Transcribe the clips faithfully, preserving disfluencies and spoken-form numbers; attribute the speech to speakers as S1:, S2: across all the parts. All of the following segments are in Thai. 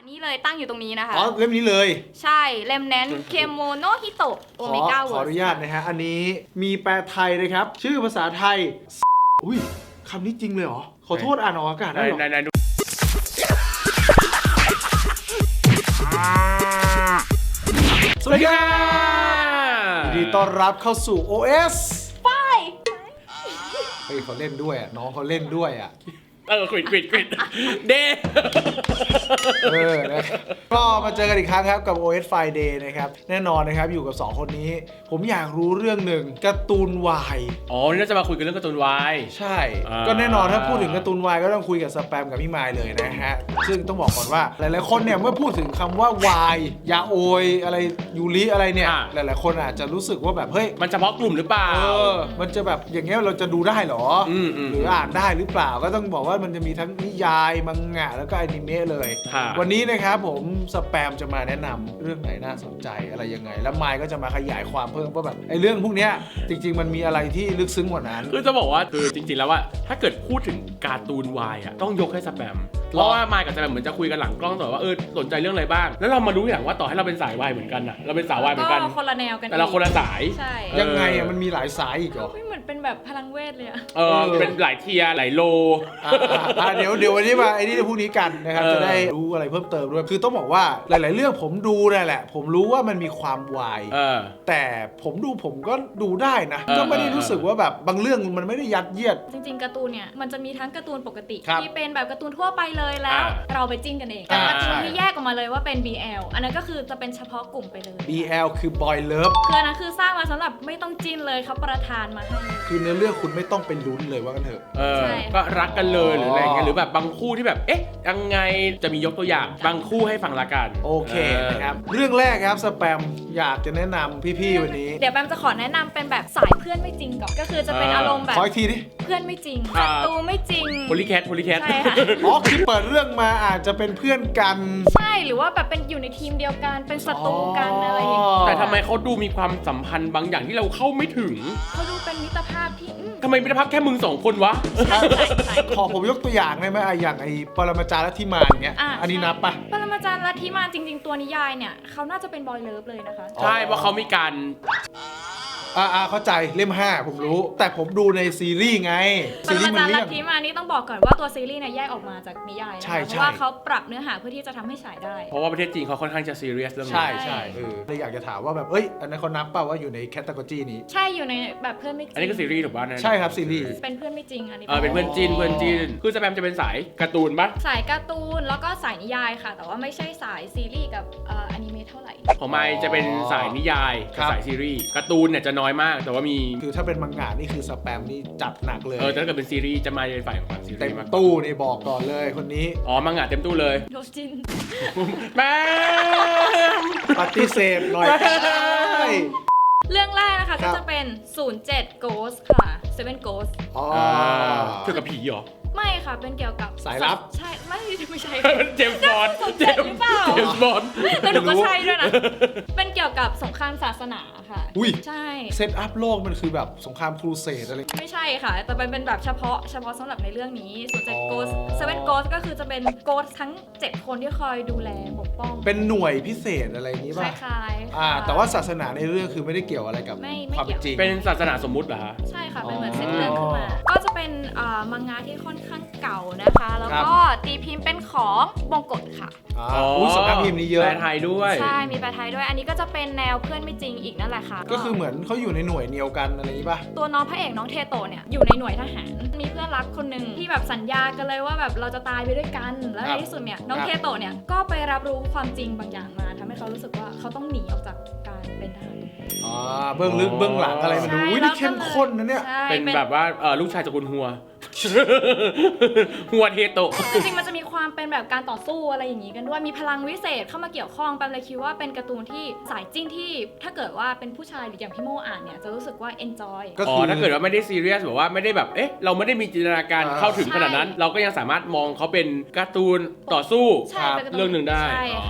S1: นี่เลยตั้งอยู่ตรงนี้นะคะ
S2: อ๋อเล่มนี้เลย
S1: ใช่เลมแนนเคโมโนฮิโตะโอเมก้าเวิร์ส
S2: ขออนุญาตนะฮะอันนี้มีแปลไทยนะครับ ชื่อภาษาไทยอุ้ยคำนี้จริงเลยเหรอขอโทษอ่านออกอากาศได้หรอสวัสดีครับยินดีต้อนรับเข้าสู่ โอ เอส
S1: ไป
S2: เฮ้ยเขาเล่นด้วยอ่ะน้องเขาเล่นด้วยอ่ะ
S3: เออควิดควิดควิดเดย์
S2: เออนะก็มาเจอกันอีกครั้งครับกับ โอ เอส Friday นะครับแน่นอนนะครับอยู่กับสองคนนี้ผมอยากรู้เรื่องหนึ่งการ์ตูนวาย
S3: อ๋อนี่เราจะมาคุยกันเรื่องการ์ตูนวาย
S2: ใช่ก็แน่นอนถ้าพูดถึงการ์ตูนวายก็ต้องคุยกับสแปมกับพี่มายเลยนะฮะซึ่งต้องบอกก่อนว่าหลายๆคนเนี่ยเมื่อพูดถึงคำว่าวายยาโอยอะไรยูริอะไรเนี่ยหลายๆคนอาจจะรู้สึกว่าแบบเฮ้ย
S3: มันเฉพาะกลุ่มหรือเปล่า
S2: เออมันจะแบบอย่างเงี้ยเราจะดูได้หรอหรืออ่านได้หรือเปล่าก็ต้องบอกว่ามันจะมีทั้งนิยายมังงะแล้วก็อนิเมะเลยวันนี้นะครับผมสแปมจะมาแนะนำเรื่องไหนน่าสนใจอะไรยังไงแล้วมายก็จะมาขยายความเพิ่มว่าแบบไอ้เรื่องพวกเนี้ยจริงๆมันมีอะไรที่ลึกซึ้งกว่านั้น
S3: คือจะบอกว่าคือจริงๆแล้วว่าถ้าเกิดพูดถึงการ์ตูนวายอ่ะต้องยกให้สแปมเพราะว่ามายกับสแปมเหมือนจะคุยกันหลังกล้องต่อว่าเออสนใจเรื่องอะไรบ้างแล้วเรามารู้อย่างว่าต่อให้เราเป็นสายวายเหมือนกันอ่ะเราเป็นสายวายเหมือนกัน
S1: ก็คนละแนวกัน
S3: แต่เราคนละสาย
S1: ใช่
S2: ยังไงอ่ะมันมีหลายสายอีกเหรอ
S1: ไม่เหมือนเป็นแบบพลังเวทเลยอ่ะ
S3: เออเป็นหลายเทียร์หลายโล
S2: อ่าเดี๋ยวเดี๋ยววันนี้มาไอ้นี่พวกนี้กันนะครับจะได้รู้อะไรเพิ่มเติมด้วยคือต้องบอกว่าหลายๆเรื่องผมดูนั่นแหละผมรู้ว่ามันมีความวายแต่ผมดูผมก็ดูได้นะก็ไม่ได้รู้สึกว่าแบบบางเรื่องมันไม่ได้ยัดเยียด
S1: จริงๆการ์ตูนเนี่ยมันจะมีทั้งการ์ตูนปกติที่เป็นแบบการ์ตูนทั่วไปเลยแล้วเราไปจิ้นกันเองแต่การ์ตูนที่แยกออกมาเลยว่าเป็น บี แอล อันนั้นก็คือจะเป็นเฉพาะกลุ่มไปเลย
S2: บี แอล คือ Boy Love
S1: คืออันนั้นคือสร้างมาสำหรับไม่ต้องจิ้นเลยเขาประทานมาให้
S2: คือในเรื่องคุณไม่ต้องเป็นลุ้นเลยว่ากันเถอะ
S3: เออก็รักกันเลยหรืออะไรเงี้ยหรือแบบบางคู่ที่แบบเอ๊ะยังไงจะมียกตัวอย่างบางคู่ให้ฟังละกัน
S2: โอเคนะครับเรื่องแรกครับสแปมอยากจะแนะนำพี่ๆวันนี้
S1: เดี๋ยวแปมจะขอแนะนำเป็นแบบสายเพื่อนไม่จริงก่อนก็คือจะเป็นอารมณ์แบบ
S2: ขออีกทีดิ
S1: เพื่อนไม่จริงศัตรูไม่จริง
S3: โพลีแคทโพลีแคท
S1: ใช่ค่ะ
S2: อ๋อคือเปิดเรื่องมาอาจจะเป็นเพื่อนกัน
S1: ใช่หรือว่าแบบเป็นอยู่ในทีมเดียวกันเป็นศัตรูกันอะไรอย่างเงี้ย
S3: แต่ทำไมเขาดูมีความสัมพันธ์บางอย่างที่เราเข้าไม่ถึง
S1: เขาดูเป็นมิตรภาพที่
S3: ทำไมมิตรภาพแค่มึงสองคนวะ
S2: ขอผมยกตัวอย่างได้ไหมอย่างไอ้ปรมาจารย์ลัทธิมารเงี้ยอันนี้นับปะ
S1: ปรมาจารย์ลัทธิมารจริงๆตัวนิยายเนี่ยเขาน่าจะเป็นบอยเลิฟเลยนะคะ
S3: ใช่เพราะเขามีการ
S2: อ่าเข้าใจเล่มห้าผมรู้แต่ผมดูในซีรีส์ไง
S1: ปรมาจารย์ลัทธิมานี่ต้องบอกก่อนว่าตัวซีรีส์เนี่ยแยกออกมาจากนิยายนะเพราะว่าเขาปรับเนื้อหาเพื่อที่จะทำให้ฉายได้
S3: เพราะว่าประเทศจีนเขาค่อนข้างจะซีเรียสเรื่องนี้
S2: ใช่ใช่เออเลยอยากจะถามว่าแบบเอ้ยอันนั้นเขานับเปล่าว่าอยู่ในแคตตาล็อกนี้
S1: ใช่อยู่ในแบบเพื่อนไม่จริง
S3: อันนี้ก็ซีรีส์ถูกป่ะ
S2: ใช่ครับซีรีส์
S1: เป็นเพื่อนไม่จริงอันนี้
S3: เออเป็นเพื่อนจีนเพื่อนจีนคือสแปมจะเป็นสายการ์ตูนปะ
S1: สายการ์ตูนแล้วก็สายนิยายค่ะแต่ว่าไม่ใช่สายซีรีส์กับอนิเมะเท่าไหร่
S3: ของไมค์จะเป็นสายนิยายกับสายซีรีส์การ์ตูนเนี่ยจะน้อยมากแต่ว่ามี
S2: คือถ้าเป็นมังงะนี่คือสแปมนี่จัดหนักเลย
S3: เออแต่ถ้าเกิดเป็นซีรีส์จะมาในฝ่ายของซีรีส์
S2: เต็มตู้นี่บอกก่อนเลยคนนี้
S3: อ๋อมังงะเต็มตู้เลย
S1: โดจิน
S3: แม่
S2: ปฏิเสธหน่อย
S1: เรื่องแรกนะคะก็จะเป็นศูนย์เจ็ด Ghost ค่ะเซเว่น Ghost
S2: อ๋อ
S3: เกี่ยวกับผีเหรอ
S1: ไม่ค่ะเป็นเกี่ยวกับ
S2: สายลับ
S1: ใช่ไม่ไม่ใช่
S3: เจมส์บอนด์
S1: เจมส์หรือเปล่า
S3: เจมส์บอนด์
S1: แต่หนูก็ใช่ด้วยนะเป็นเกี่ยวกับสงครามศาสนาค่ะ
S2: อุ้ย
S1: ใช่
S2: เซตอัพโลกมันคือแบบสงครามครูเสดอะไร
S1: ไม่ใช่ค่ะแต่เป็นแบบเฉพาะเฉพาะสำหรับในเรื่องนี้ศูนย์เจ็ด Ghost เซเว่น Ghost ก็คือจะเป็น Ghost ทั้งเจ็ดคนที่คอยดูแลปกป้อง
S2: เป็นหน่วยพิเศษอะไรนี้ป่ะ
S1: คล้ายๆ
S2: อ่าแต่ว่าศาสนาในเรื่องคือไม่ได้เกี่ยวอะไรกับความเป็นจริง
S3: เป็นศาสนาสมมุติเหรอฮะ
S1: ใช่ค่ะเป็นเหมือนเส้นเรื่องขึ้นมาก็จะเป็นมังงะที่ค่อนข้างเก่านะคะแล้วก็ตีพิมพ์เป็นของบงกฎค่ะ
S2: อ๋อสำนักพิมพ์นี้เยอะ
S3: แปลไทยด้วย
S1: ใช่มีแปลไทยด้วยอันนี้ก็จะเป็นแนวเพื่อนไม่จริงอีกนั่นแหละค่ะ
S2: ก็คือเหมือนเขาอยู่ในหน่วยเดียวกันอะไรนี้ป่ะ
S1: ตัวน้องพระเอกน้องเทโตะเนี่ยอยู่ในหน่วยทหารมีเพื่อนรักคนหนึ่งที่แบบสัญญากันเลยว่าแบบเราจะตายไปด้วยกันแล้วในที่สุดเนี่ยน้องเทโตะเนี่ยก็ไปรับรู้ความจริงบางอย่างมาทำให้เขารู้สึกว่าเขาต้องหนีออกจากการเป็นทหาร
S2: อ๋อเบื้องลึกเบื้องหลังอะไรมันดูอุ้ยนี่เข้มข้นนะเนี่ย
S3: เป็นแบบว่าลูกชายจากคุณหัวหัวเทโตะ
S1: จริงๆมันจะมีความเป็นแบบการต่อสู้อะไรอย่างนี้กันด้วยมีพลังวิเศษเข้ามาเกี่ยวข้องแปมเลยคิดว่าเป็นการ์ตูนที่สายจิ้นที่ถ้าเกิดว่าเป็นผู้ชายหรืออย่างพี่โมอ่านเนี่ยจะรู้สึกว่า enjoy
S3: อ๋อถ้าเกิดว่าไม่ได้ซีเรียสแบบว่าไม่ได้แบบเอ๊ะเราไม่ได้มีจินตนาการเข้าถึงขนาดนั้นเราก็ยังสามารถมองเขาเป็นการ์ตูนต่อสู้เรื่องหนึ่งได้
S1: ใช่ค่ะ
S2: เ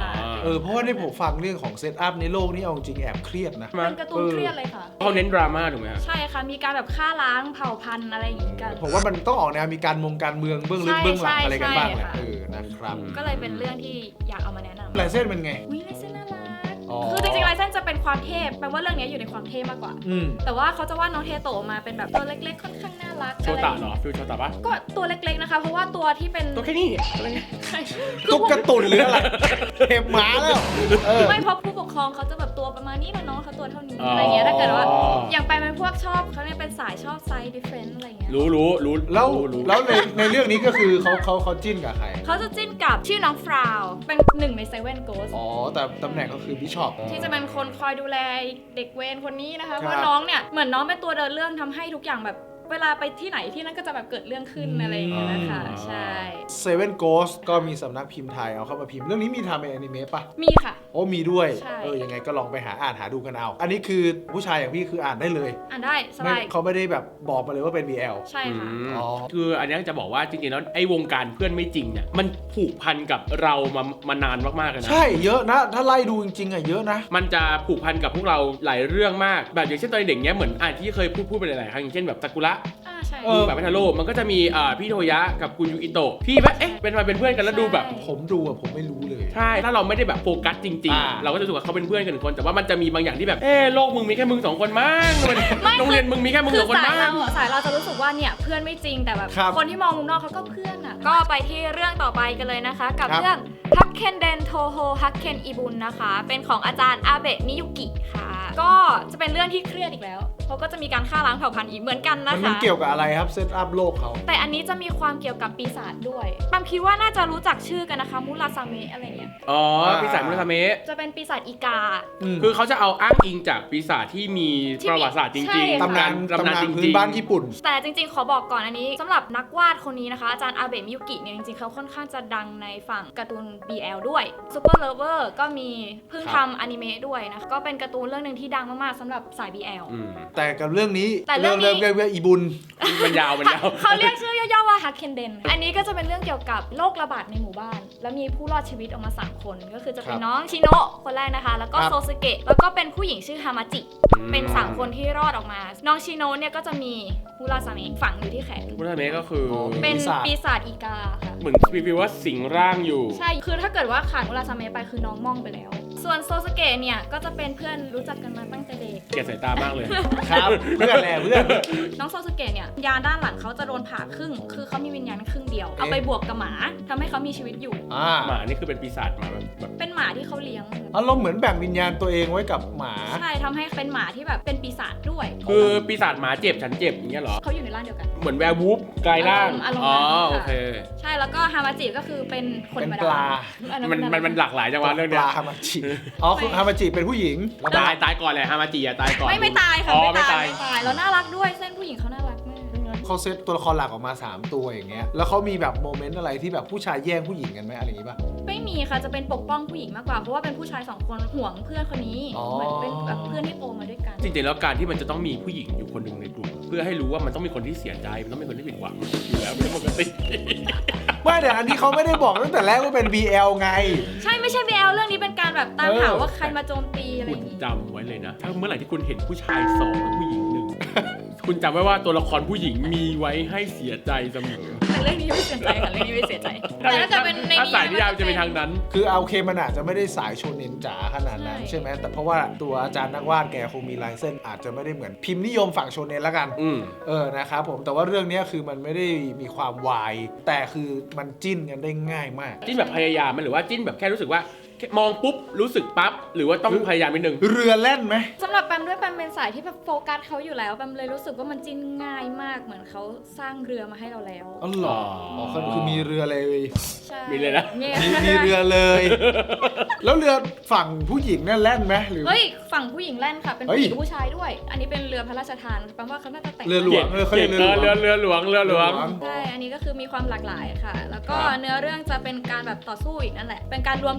S2: เออเพราะว่าได้ผมฟังเรื่องของเซตอัพในโลกนี้เอาจริงแอบเครียดนะ
S1: เป็นการ์ตูนเครียดเลยค่ะ
S3: เขาเน้นดราม่าถูกไหมครับ
S1: ใช่ค่ะมีการแบบฆ่าล้างเผ่าพันธุ์อะไรอย่างงี้กัน
S2: ผมว่ามันต้องออกแนวมีการมงการเมืองเบื้องลึก
S1: ใช่
S2: เบื้องหลัง
S1: ใช่
S2: อะไรกันบ้างแหละ
S1: ใช่ค่ะ
S2: เออนะครับ
S1: ก็เลยเป็นเรื่องที่อยากเอามาแนะนำ
S2: ลายเส้นเป็นไง
S1: วิลายเส้นน่ารัก
S2: อ๋อ
S1: คือจริงๆลายเส้นจะเป็นความเทพแปลว่าเรื่องนี้อยู่ในความเทพมากกว่า
S2: อืม
S1: แต่ว่าเขาจะวาดน้องเทโตะมาเป็นแบบตัวเล็กๆค่อนข้างน่ารัก
S3: โช
S1: อะไร
S3: ตะเหรอฟิลโชตะปะ
S1: ก็ตัวเล็กๆนะคะ เพราะว่าตัวที่เป็น
S3: ตัวแค่นี้ตัวแค่นี้
S2: ตุ๊กกระตุนหรืออะไรเห็บหมาแล้วเออ
S1: ไม่เพราะผู้ปกครองเขาจะแบบตัวประมาณนี้แล้วน้องเขาตัวเท่านี้อะไรเงี้ยถ้าเกิดว่าอย่างไปเป็นพวกชอบเขาเนี่ยเป็นสายชอบไซส์ดิเฟรนต์อะไรเงี้ย
S3: รู้รู้รู้
S2: แล้ว
S3: รู้รู้
S2: แล้วในในเรื่องนี้ก็คือเขาเขาเขาจิ้นกับใคร
S1: เขาจะจิ้นกับชื่อน้องฟราวเป็นหนึ่งในเซเว่นโกส
S2: อ๋อแต่ตำแหน่งก็คือบิชอป
S1: ที่จะเป็นคนคอยดูแลเด็กเวรคนนี้นะคะ
S2: ครับ
S1: เพราะน้องเนี่ยเหมือนน้องเป็นตัวเดินเรื่องทำให้ทุกอย่างแบบเวลาไปที่ไหนที่นั่นก็จะแบบเกิดเรื่องขึ้นอะไรอย่างเงี้ยนะคะใช่
S2: เซเว่นโกสก็มีสำนักพิมพ์ไทยเอาเข้ามาพิมพ์เรื่องนี้มีทำเป็นอนิเมะปะ
S1: มีค่ะ
S2: โอ้มีด้วย
S1: ใช่
S2: เออยังไงก็ลองไปหาอ่านหาดูกันเอา อันนี้คือผู้ชายอย่างพี่คืออ่านได้เลย
S1: อ่านได้ส
S2: ไม่
S1: บาย
S2: เขาไม่ได้แบบบอกมาเลยว่าเป็น บี แอล
S1: ใช่ค่ะ
S3: อืม
S2: อ๋อ
S3: คืออันนี้จะบอกว่าจริงๆแล้วไอ้วงการเพื่อนไม่จริงเนี่ยมันผูกพันกับเรามามานานมากๆเลยนะ
S2: ใช่เยอะนะ ถ้าไล่ดูจริงๆอ่ะเยอะนะ
S3: มันจะผูกพันกับพวกเราหลายเรื่องมากแบบอย่างเช่นตอนเด็กเนี้ยเหมือนอ่านที่เคยพูดพูดไปหลายๆครั้งอย่างเช่นแบบซากุระ
S1: อ่าใช่
S2: เออ
S3: แบบพัทโลมันก็จะมีอ่าพี่โทยะกับคุณยูอิโตะที่แบบเอ๊ะเป็นมาเป็นเพื่อนกันแล้วดูแบบ
S2: ผมดูอ่ะผมไม่รู้เลย
S3: ใช่ถ้าเราไม่ได้แบบโฟกัสจริง
S2: อ่า
S3: ๆ เราก็จะรู้สึกว่าเขาเป็นเพื่อนกันหนึ่งคนแต่ว่ามันจะมีบางอย่างที่แบบเอ๊ะโลกมึงมีแค่มึงสองคนมั้งโรงเรียนมึงมีแค่มึง
S1: คื
S3: ส
S1: อ
S3: องคน
S1: สาย
S3: มั้ง
S1: เราอะสายเราจะรู้สึกว่าเนี่ยเพื่อนไม่จริงแต่แบบ
S2: ครับ
S1: คนที่มองมุมนอกเขาก็เพื่อนอ่ะก็ไปที่เรื่องต่อไปกันเลยนะคะ กับ
S2: ครับ
S1: เรื่องฮักเคนเดนโทโฮฮักเคนอิบุนนะคะ เป็นของอาจารย์อาเบะมิยุกิค่ะ ก็จะเป็นเรื่องที่เครียดอีกแล้วเขาก็จะมีการฆ่าล้างเผ่าพันธุ์อีกเหมือนกัน
S2: มั
S1: นะ
S2: นมัน
S1: คะ
S2: เกี่ยวกับอะไรครับเซตอัพโลกเขา
S1: แต่อันนี้จะมีความเกี่ยวกับปีศาจด้วยปั๊มคิดว่าน่าจะรู้จักชื่อกันนะคะมุราซาเมะอะไรเงี้ย
S3: อ๋อปีศาจมุราเมะ
S1: จะเป็นปีศาจอีกา
S2: ม
S3: คือเขาจะเอาอ้างอิงจากปีศาจที่มี
S1: ที่มี
S3: ประวัติศาสตร์จ
S1: ใช่
S3: ริงๆ
S2: ตำนาน
S3: ตำนาน
S2: ตำนาน
S3: จ
S2: พื้
S3: ริ
S2: น
S3: ง
S2: บ้านญี่ปุ่น
S1: แต่จริงๆ ขอบอกก่อนอันนี้สำหรับนักวาดคนนี้นะคะ อาจารย์อาเบะมิยุกิเนี่ยจริงๆ เขาค่อนข้างจะดังในฝั่งการ์ตูน บี แอล ด้วย Super Lover ก็มีเพิ่ง
S2: ครับ
S1: ทำอนิเมะด้วยนะก็เป็นการ์ตูนเรื่องหนึ่งที่ดังมากๆสำหรับสาย บี แอล
S3: ๆอืม
S2: แต่กับเรื่องนี้
S1: แต่เรื่องนี้
S2: เริ่มเริ่มอีบุญ
S3: มันยาวมันยาว
S1: เขาเรียกชื่อย่อๆว่าฮักเคนเดนอันนี้ก็จะเป็นเรื่องเกี่ยวกับโรคระบาดในหมู่บ้าน แล้วมีผู้รอดชีวิตออกมาสามคนก็คือจะเป็น
S2: ครับ
S1: น้องชิโนะคนแรกนะคะ แล้วก็
S2: ครับ
S1: โซซึเกะแล้วก็เป็นผู้หญิงชื่อฮามาจิ เป็นสามคนที่รอดออกมา น้องชิโนะเนี่ยก็จะมีมุราซาเมะฝังอยู่ที่แขน
S3: มุราเมะก็คืออ
S2: อ
S1: เป็น
S2: ปีศาจ
S1: ปีศาจอีกาค่ะ
S3: เหมือนรีวิวว่าสิงร่างอยู่
S1: ใช่ คือถ้าเกิดว่าขาดมุราซาเมะไปคือน้องม่องไปแล้ว ส่วนโซสเกะเนี่ยก็จะเป็นเพื่อนรู้จักกันมาตั้งแต่เด็ก
S3: เกลียดสายตามากเลย
S2: ครับเพื่อนแหละเพื่อน
S1: น้องโซสเกะเนี่ยยานด้านหลังเขาจะโดนผ่าครึ่ง คือเขามีวิญญาณครึ่งเดียว เอาไปบวกกับหมาทำให้เขามีชีวิตอยู่
S2: อ่า
S3: หมานี่คือเป็นปีศาจหมาแบบแบบ
S1: เป็นหมาที่เขาเลี้ยง
S2: อารมณ์เหมือนแบ่งวิญญาณตัวเองไว้กับหมา
S1: ใช่ทำให้เป็นหมาที่แบบเป็นปีศาจด้วย
S3: คือปีศาจหมาเจ็บฉันเจ็บอย่างเงี้ยเหรอ
S1: เขาอยู่ในร่างเดียวกัน
S3: เหมือนแวร์วูฟกลายร่าง
S1: อารมณ์
S3: อ๋อ
S1: อารมณ์นั้นค่ะ
S3: โอเค
S1: ใช่ แล้วก็ฮามาจิก็คือเป็นคน
S2: เป็น
S1: ธรรม
S2: ป
S1: ดา
S2: ลา
S1: อั
S3: มันมันมันหลากหลายจังวะเรื่อง
S2: ป
S3: เนี้ย
S2: ลาฮามาจิอ๋อคือฮามาจิเป็นผู้หญิงแล้วก็
S3: ตายตายก่อนแหละฮามาจิอะตายก่อน
S1: ไม่ไม่ตายค่ะ
S3: อ๋อ
S1: ไม่
S3: ไม่
S1: ตา
S3: ตาย ย
S1: ไม่ตายแล้วน่ารักด้วยเส้นผู้หญิงเขาน่ารักมาก
S2: เขาเซตตัวละครหลักออกมาสามตัวอย่างเงี้ยแล้วเขามีแบบโมเมนต์อะไรที่แบบผู้ชายแย่งผู้หญิงกันไหมอะไรอย่างงี้ป่ะ
S1: ไม่มีค่ะจะเป็นปกป้องผู้หญิงมากกว่าเพราะว่าเป็นผู้ชายสองคนห่วงเพื่อนคนนี้
S2: อ๋อ
S1: เหมือนเป็นแบบเพื่อนที่โตมาด้วยกัน
S3: จริงๆแล้วการที่มันจะต้องมีผู้หญิงอยู่คนหนึ่งในกลุ่มเพื่อให้รู้ว่ามันต้องมีคนที่เสียใจมันต้องมีคนที่ผิดหวังอยู่แล้วเป็นปกติ
S2: ไม่แต่อันนี้เขาไม่ได้บอกตั้งแต่แรกว่าเป็น บี แอล ไง
S1: ใช่ไม่ใช่ บี แอล เรื่องนี้เป็นการแบบตามหาว่าใครมาโจมตีอะไรอ
S3: คุณ
S1: ย่างงี้
S3: จำไว้เลยนะ ถ้าเมื่อไหร่ที่คุณเห็นผู้ชายสองและผู้หญิงหนึ่ง คุณจำไว้ว่าตัวละครผู้หญิงมีไว้ให้เสียใจเสมอ
S1: แต่เรื่องนี้ไม่เสียใจค่ะเรื่องนี้ไม่เสียใจแต่ถ้าเกิดเป็นใน
S3: ถ้า
S1: นี้
S3: สายนิยายจะเป็นทางนั้น
S2: คือเอาโอเคมันอาจจะไม่ได้สายโชเน็นจ๋าขนาดนั้น
S1: ใช่
S2: ใช่ไหมแต่เพราะว่าตัวอาจารย์นักวาดแกคงมีลายเส้นอาจจะไม่ได้เหมือนพิมพ์นิยมฝั่งโชเน็นละกัน
S3: อืม
S2: เออนะครับผมแต่ว่าเรื่องเนี้ยคือมันไม่ได้มีความวายแต่คือมันจิ้นกันได้ง่ายมาก
S3: จิ้นแบบพยายามไหมหรือว่าจิ้นแบบแค่รู้สึกว่าแค่มองปุ๊บรู้สึกปั๊บหรือว่าต้องพยายามนิดนึง
S2: เรือแล่นไหม
S1: สำหรับแปมด้วยแปมเป็นสายที่แบบโฟกัสเขาอยู่แล้วแปมเลยรู้สึกว่ามันจิ้นง่ายมากเหมือนเขาสร้างเรือมาให้เราแล้ว
S2: อ๋อเหรออ๋อคือมีเรือเลย
S1: ใช่
S3: มีเลยนะ
S1: เนี่ย
S2: มีมีเรือเลย แล้วเรือฝั่งผู้หญิงเนี่ยแล่นไหมหรือ
S1: เฮ้ยฝั่งผู้หญิงแล่นค่ะเป็น
S2: เฮ้
S1: ผู้
S2: ย
S1: หญิงกับผู้ชายด้วย อันนี้เป็นเรือพระราชทานแปมว่าเขาน่าจะแต่ง
S2: เรือหลวงเออเขาเรียกเรือหลวง
S3: เรือเรือหลวงเรือหลวง
S1: ใช่ อันนี้ก็คือมีความหลากหลายค่ะ แล้วก็
S2: ครับ
S1: เนื้อเรื่องจะเป็นการแบบต่อสู้อีกนั่นแหละ เป็นการรวมแก๊งด้วย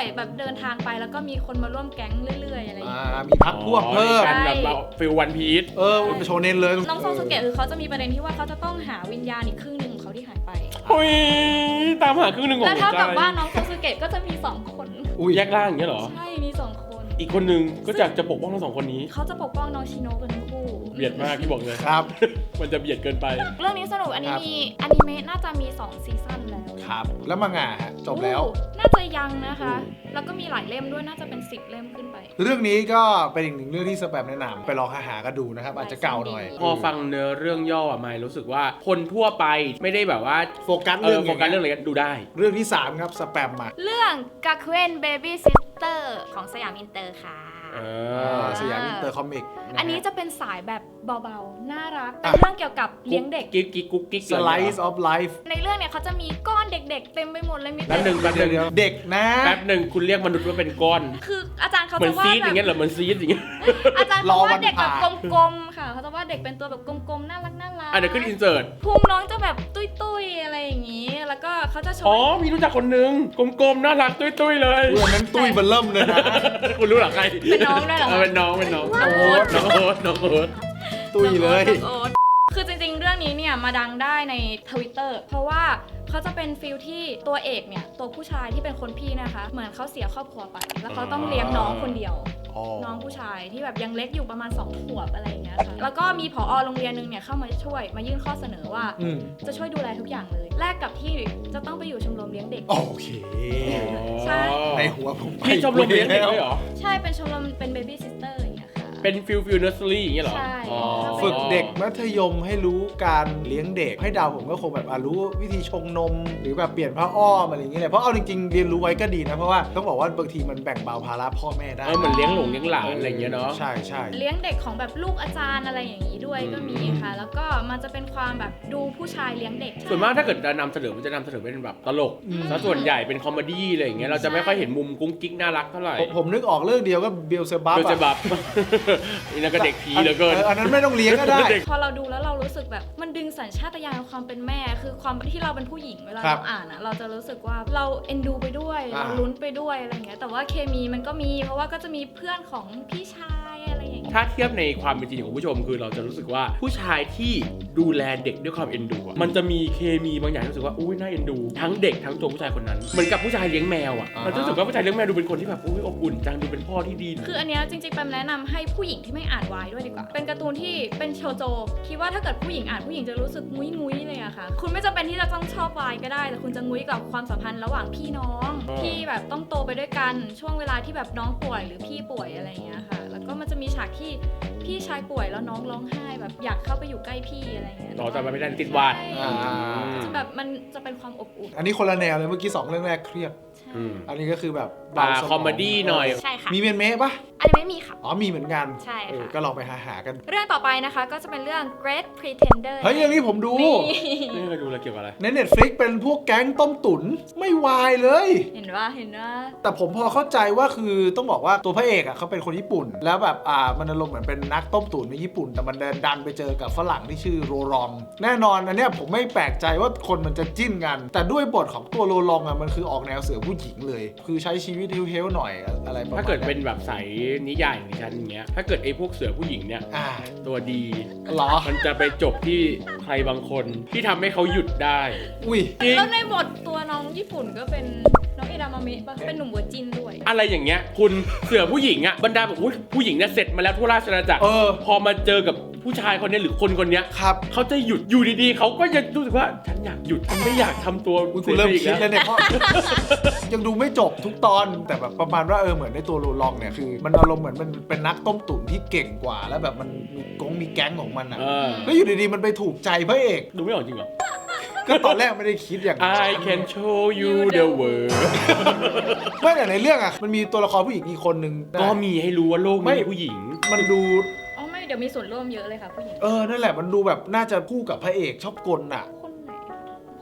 S1: ด้วยแบบเดินทางไปแล้วก็มีคนมาร่วมแก๊งเรื่อยๆอะไรอย่าง
S2: อ่า
S1: เงี้ย
S2: มีพักพวกเพิ่ม
S1: ใช่
S3: แบบเราฟิลวันพีซ
S2: เออเป็นโชเน้นเลย
S1: น้องโซซูเกะคือเขาจะมีประเด็นที่ว่าเขาจะต้องหาวิญญาณอีกครึ่งหนึ่งของเขาที่หายไป
S3: อุ้ยตามหาครึ่งหนึ่งของ
S1: และ
S3: หัว
S1: เท่า
S3: ใจ
S1: กับว่าน้องโซซูเกะก็จะมีสองคน
S2: อุ้ย
S3: แยกร่างอย่างเงี้ยเหรอ
S1: ใช่มีสองคน
S3: อีกคนนึงก็จะจะปกป้องทั้งสองคนนี้
S1: เขาจะปกป้องน้องชิโนะกันทั้งคู่
S3: เบียดมากที่บอกเลย
S2: ครับ
S3: มันจะเบียดเกินไป
S1: เรื่องนี้สนุกอันนี้
S2: ครับ
S1: มีอนิเมะน่าจะมีสองซีซั่นแล้ว
S2: ครับแล้วมังงะฮะจบแล้ว
S1: อู้น่าจะยังนะคะ แล้วก็มีหลายเล่มด้วยน่าจะเป็นสิบเล่มขึ้นไป
S2: เรื่องนี้ก็เป็นอีกหนึ่งเรื่องที่สแปมแนะนำไปลองหาหากันดูนะครับ อาจจะเก่าหน่อย
S3: พอฟังเนื้อเรื่องย่ออะไม่รู้สึกว่าคนทั่วไปไม่ได้แบบว่า
S2: โฟกัส
S3: เอ
S2: เรื่อ
S3: อง โฟกัสเรื่องอะไรกันดูได้
S2: เรื่องที่สามครับสแปมมา
S1: เรื่องกาคุเอนเบบี้ซิสเตอร์ของสยามอินเตอร์ค่ะ
S3: เอ
S2: อ่า
S3: อ
S2: สยามอินเตอร์คอมิก
S1: อันนี้จะเป็นสายแบบเบาๆ น่ารัก เป็น
S2: อ่ะ
S1: เรื่องเกี่ยวกับเลี้ยงเด็ก
S3: กิ๊กกิ๊กกุ๊กกิ๊ก
S2: Slice of Life
S1: ในเรื่องเนี่ยเขาจะมีก้อนเด็กๆ เต็มไปหมดเลยมี
S3: แป๊บหนึ่งแป๊บห
S2: เดี๋ย
S3: นึ่
S2: ว
S3: ง
S2: เดี๋ยวเด็กนะ
S3: แป๊บหนึ่งคุณเรียกมนุษย์ว่าเป็นก้อน
S1: คืออาจารย์เขา
S3: เหมือ
S1: จะ
S3: น
S1: วา
S3: ซี
S1: ด
S3: ดอย่างเงี้ย
S1: แบบ
S3: เหรอเหมือนซีดอย่างเงี้ย
S1: อาจารย์เขาวาดเด็กแบบ
S2: รอวันผ่าน
S1: กลมๆ ค่ะ เขาจะวาดเด็กเป็นตัวแบบกลมๆ น่ารักน่ารัก
S3: อ่ะเดี๋ยวขึ้นอินเสิร์ต
S1: พุงน้องจะแบบตุ้ยๆ อะไรอย่างนี้ แล้วก็เขาจะโช
S3: อ๋อ
S1: ว์
S3: มีรู้จักคนนึงกลมๆน่ารักตุ้ยๆเลย
S2: เรื่องนั้นตุ้ยเบลเริ่มเลยนะ
S3: คุณรู้เหรอใคร
S1: เป็นน้องด้วยเหรอ
S3: เออเป็นน้องเป็นน้อง
S1: น้องโอ๊ต
S3: น้องโอ๊ตน้องโอ๊ต
S2: ตุ้ยเลย
S1: น้องโอ๊ตคือจริงๆ เรื่องนี้เนี่ยมาดังได้ใน Twitter เพราะว่าเขาจะเป็นฟิลที่ตัวเอกเนี่ยตัวผู้ชายที่เป็นคนพี่นะคะ เหมือนเขาเสียครอบครัวไป แล้วเขาต้องเลี้ยงน้องคนเดียว น้องผู้ชายที่แบบยังเล็กอยู่ประมาณสองขวบอะไรอย่างเงี้ยค่ะ แล้วก็มีผอโรงเรียนหนึงเนี่ยเข้ามาช่วยมายื่นข้อเสนอว่า
S2: อืม
S1: จะช่วยดูแลทุกอย่างเลย แลกกับที่จะต้องไปอยู่ชมรมเลี้ยงเด็ก
S2: โอเค
S1: ใช่
S2: ในหัวผมไป
S3: พี่ชมรมเลี้ยงเด็กด้วยเหรอ
S1: ใช่เป็นชมรมเป็นเบบี้ซิสเตอร์อย่างเงี้ยค่ะ
S3: เป็นฟิลฟิลเนอร์เซอรี่อย่างเงี้ยเหรอ
S1: ใช่
S3: อ๋อ
S2: ฝึกเด็กมัธยมให้รู้การเลี้ยงเด็กให้เดาวผมก็คงแบบอ่ะรู้วิธีชงนม หรือแบบเปลี่ยนผ้าอ้อมอะไรอย่างเงี้ยแหละเพราะเอาจริงๆเรียนรู้ไว้ก็ดีนะเพราะว่าต้องบอกว่าบางทีมันแบ่งเบาภาระพ่อแม่ได้
S3: เออเหมือนเลี้ยงหลงเลี้ยงหลานอะไรอย่างเงี้ยเนาะ
S2: ใช่ใช่
S1: เลี้ยงเด็กของแบบลูกอาจารย์อะไรอย่างนี้ด้วยก็มีค่ะ แล้วก็มันจะเป็นความแบบดูผู้ชายเลี้ยงเด็ก
S3: ส่วนมากถ้าเกิดจะนำเสนอมันจะนำเสนอเป็นแบบตลกซะส่วนใหญ่เป็นคอมเมดี้อะไรอย่างเงี้ยเราจะไม่ค่อยเห็นมุมกุ้งกิ๊กน่ารักเท่าไหร่
S2: ผมผมนึกออกเรื่องเดียวก็เบลเซบับ
S3: เบลเซ
S2: อะ
S3: บับ นี่นะก็เด็กผีเหลือเกิน
S2: อันนั้นไม่ต้องเลี้ยงก็ได้
S1: พอเราดูแล้วเรารู้สึกแบบมันดึงสัญชาตญาณของความเป็นแม่ คือความที่เราเป็นผู้หญิงเวลา
S2: ครับ
S1: เราอ่านอ่ะเราจะรู้สึกว่าเราเอ็นดูไปด้วย
S2: อ่า
S1: เราลุ้นไปด้วยอะไรอย่างเงี้ยแต่ว่าเคมีมันก็มี เพราะว่าก็จะมีเพื่อนของพี่ชายอะไรอย่างเงี้ย
S3: ถ้าเทียบในความเป็นจริงของคุณผู้ชมคือเราจะรู้สึกว่าผู้ชายที่ดูแลเด็กด้วยความเอ็นดูอะมันจะมีเคมีบางอย่างที่รู้สึกว่าอุ้ยน่าเอ็นดู ทั้งเด็กทั้งตัวผู้ชายคนนั้นเหมือนกับผู้ชายเลี้ยงแมวอ่ะ
S2: อ่าฮะ
S3: มันจะรู้สึกว่าผู้ชายเลี้ยงแมวดูเป็นคนที่แบบอุ้ยอบอุ่นจังดูเป็นพ่อที่ดี
S1: คืออันเนี้ยจริงๆแปมแนะนำให้ผู้หญิงที่ไม่อ่านวายด้วยดีกว่า เป็นการ์ตูนที่เป็นโชโจคิดว่าถ้าเกิดผู้หญิงอ่านผู้หญิงจะรู้สึกงุ้ยงุ้ยๆเลยอะค่ะ คุณไม่จำเป็นที่จะต้องชอบวายก็ได้ แต่คุณจะงุ้ยกับความสัมพันธ์ระหว่างพี่น้อง
S3: อ๋อ
S1: ที่แบบต้องโตไปด้วยกันช่วงเวลาที่แบบน้องป่วยหรือพี่ป่วยอะไรอย่างเงี้ยค่ะ แล้วก็มันจะมีฉากที่พี่ชายป่วยแล้วน้องร้องไห้แบบอยากเข้าไปอยู่ใกล้พี่อะไรอย่างเงี้ย
S3: ต่อจากมันไม่ได้ติดวาด
S1: ใช่
S2: อ่า
S1: จะแบบมันจะเป็นความอบอุ่น
S2: อันนี้คนละแนวเลยเมื่อกี้สองเรื่องแรกเครียด
S1: ใช่
S3: อืม
S2: อันนี้ก็คือแบบ
S3: อ่า
S2: เบาสง
S3: คอมเมดี้หน่อย
S1: ใช่ค่ะ
S2: มีเมนเมะปะ
S1: อันนี้ไม่มีค่ะ
S2: อ๋อมีเหมือนกัน
S1: ใช่
S2: เออ
S1: ค่ะ
S2: ก็ลองไปหาหากัน
S1: เรื่องต่อไปนะคะก็จะเป็นเรื่อง Great Pretender
S2: เฮ้ยเรื่องนี้ผมดู
S1: นี่
S3: นี่เคยดูอะไรเกี่ยวกับอะไร
S2: ใน Netflix เป็นพวกแก๊งต้มตุ๋นไม่วายเลย
S1: เห็นว่าเห็นว่า
S2: แต่ผมพอเข้าใจว่าคือต้องบอกว่าตัวพระเอกอ่ะเขาเป็นคนญี่ปุ่น แล้วแบบอ่ามันอารมณ์เหมือนเป็นนักต้มตุ๋นในญี่ปุ่น แต่มันเดินดันไปเจอกับฝรั่งที่ชื่อโรลอง แน่นอนอันเนี้ยผมไม่แปลกใจว่าคนมันจะจิ้นกัน แต่ด้วยบทของตัวโรลองอ่ะมันคือออกแนวเสือผู้หญิงเลย คือใช้ชีวิตเฮลๆหน่อยอะไรประมาณ
S3: ถ้าเกิดเป็น
S2: นั้น
S3: แบบใสนิยายอย่างดิฉันอย่างเงี้ยถ้าเกิดไอ้พวกเสือผู้หญิงเนี่ย
S2: อ่า
S3: ตัวดี
S2: เหรอ
S3: มันจะไปจบที่ใครบางคนที่ทำให้เขาหยุดได้
S2: อุ้ย
S3: จริง
S1: แล้วในบทตัวน้องญี่ปุ่นก็เป็นน้องเอดามาเมะปะเป็นหนุ่มเวอร์จินด้วย
S3: อะไรอย่างเงี้ยคุณเสือผู้หญิงอ่ะบรรดาแบบอุ๊ยผู้หญิงเนี่ยเสร็จมาแล้วทั่วราชอาณาจักร
S2: เออ
S3: พอมาเจอกับผู้ชายคนเนี้ยหรือคนคนเนี้ย
S2: ครับ
S3: เขาจะหยุดอยู่ดีๆเขาก็จะรู้สึกว่าฉันอยากหยุดฉันไม่อยากทำตัว
S2: อุ๊ยกูเริ่ม
S3: อีก
S2: คิด
S3: แล้ว
S2: แล้วเนี่ยเพราะ ยังดูไม่จบทุกตอนแต่แบบประมาณว่าเออเหมือนในตัวโรลองเนี่ยคือ มันอารมณ์เหมือนมันเป็นนักต้มตุ๋นที่เก่งกว่า แล้วแบบมันมีกงมีแก๊งของมันอ่ะ
S3: เออ
S2: แล้วอยู่ดีๆมันไปถูกใจพระเอก
S3: ดูไม่ออกจริงเหรอ
S2: ก็ตอนแรกไม่ได้คิดอย่างนั้น
S3: I can show you the world
S2: ไม่แต่ในเรื่องอ่ะมันมีตัวละครผู้หญิงอีกคนนึง
S3: ก็มีให้รู้ว่าโลก
S2: ไม่
S3: มีผู้หญิง
S2: มันดู
S1: อ๋อไม่เดี๋ยวมีส่วนร่วมเยอะเลยค่ะผู้หญิง
S2: เออนั่นแหละมันดูแบบน่าจะคู่กับพระเอกชอบกลน่ะ
S1: คนไหนผม